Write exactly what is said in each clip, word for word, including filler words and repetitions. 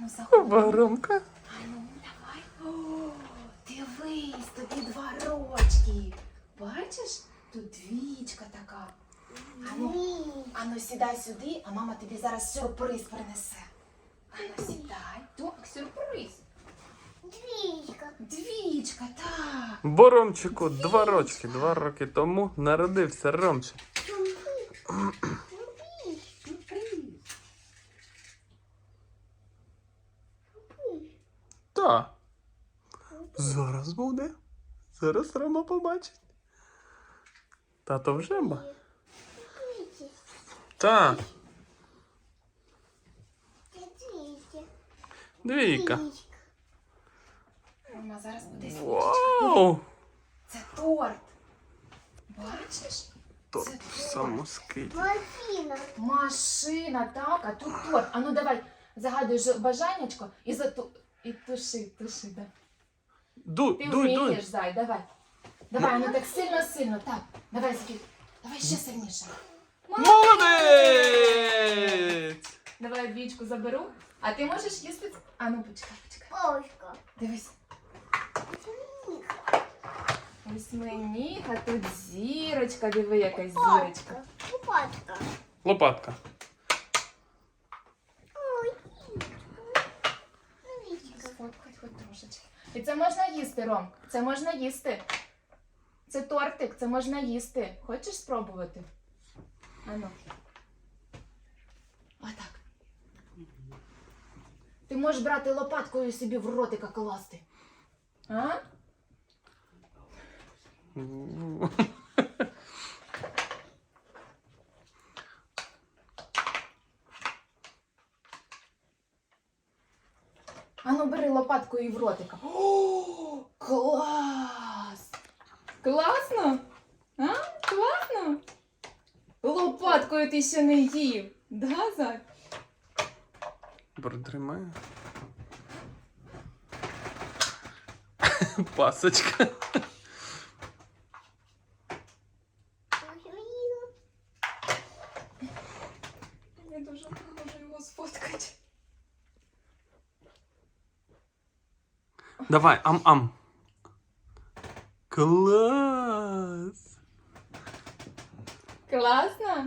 Ану, заходь. Ромка. Ану, давай. О, дивись, тобі два рочки. Бачиш? Тут двічка така. Ану, ану, сідай сюди, а мама тобі зараз сюрприз принесе. Ану, сідай. Так, сюрприз. Двічка. Двічка, так. Бо Ромчику два рочки, два роки тому народився Ромчик. Сюрприз. Так. Зараз буде. Зараз Рома побачить. Тато вже ба. Так. Двійка. Мама зараз буде свічечка. Вау! Це торт. Бачиш? Торт Це торт. самоскид. Машина. Машина, так, а тут торт. А ну давай, загадуй ж бажаннячко і зату... І туши, туши, да. Дуй, Ти дуй, вмієш, дуй. зай, давай. Давай, ну так сильно-сильно, так. Давай, Зкі. Давай ще сильніше. Молодець! Давай двічку заберу. А ти можеш їсти? А ну почекай, почекай. Палочка. Дивись. Ось мені, а тут зірочка, диви, яка зірочка. Лопатка. Лопатка. Ой. Двічка. Сфоткать хоч трошечки. І це можна їсти, Ром. Це можна їсти. Це тортик, це можна їсти. Хочеш спробувати? Ану. Отак. Ти можеш брати лопаткою собі в ротика класти. А? Ану, бери лопаткою і в ротика. О, клас! Класно? А? Класно? Лопаткою ти ще не їв. Да, Зай? Протримаю. Пасочка. Я дуже не можу його сфоткати. Давай, ам-ам. Клас! Класно?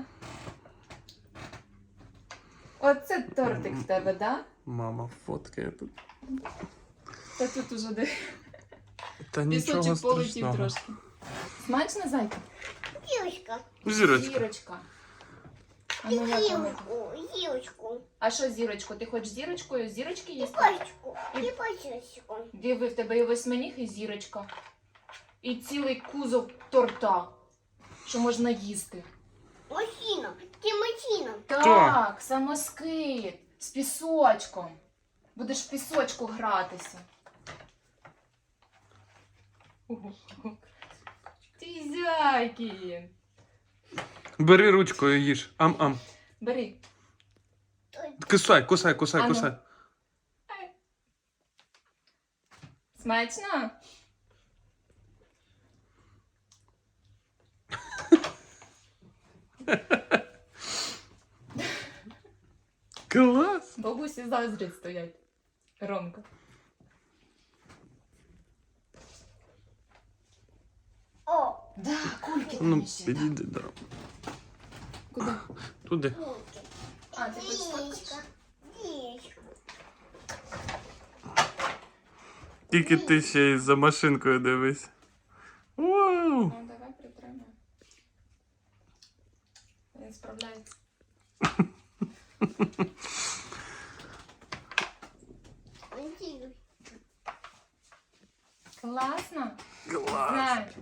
Оце тортик в тебе, да? Мама фоткає тут. Та тут уже де Та нічого пісочок полетів страшного. трошки. Смачно, зайка? Зірочка. Зірочка. Зірочка. А, ну, як вона? Зірочку. Зірочку. А що зірочку? Ти хочеш зірочкою? Зірочки І їсти? пачку. І пачечку. Диви, в тебе і восьминіг, і зірочка. І цілий кузов торта, що можна їсти. Машина. Це машина. Так, самоскид з пісочком. Будеш в пісочку гратися. Ого. Ти зяйкін. Бери ручкою їж. Ам-ам. Бери. Кусай, кусай, кусай, Ану. кусай. Смачно? Клас! Бабусі заздрять стоять. Ромка. О. Да, кульки Ну, там ще. Да. підійди, да. Куди? Туди. Кульки. А, ти хочеш так? Зірочка. Зірочка. Тільки ти ще й за машинкою дивись. Вау! Ну, давай притримай. Він справляється. Зірочка. Класно? Клас! Знаю.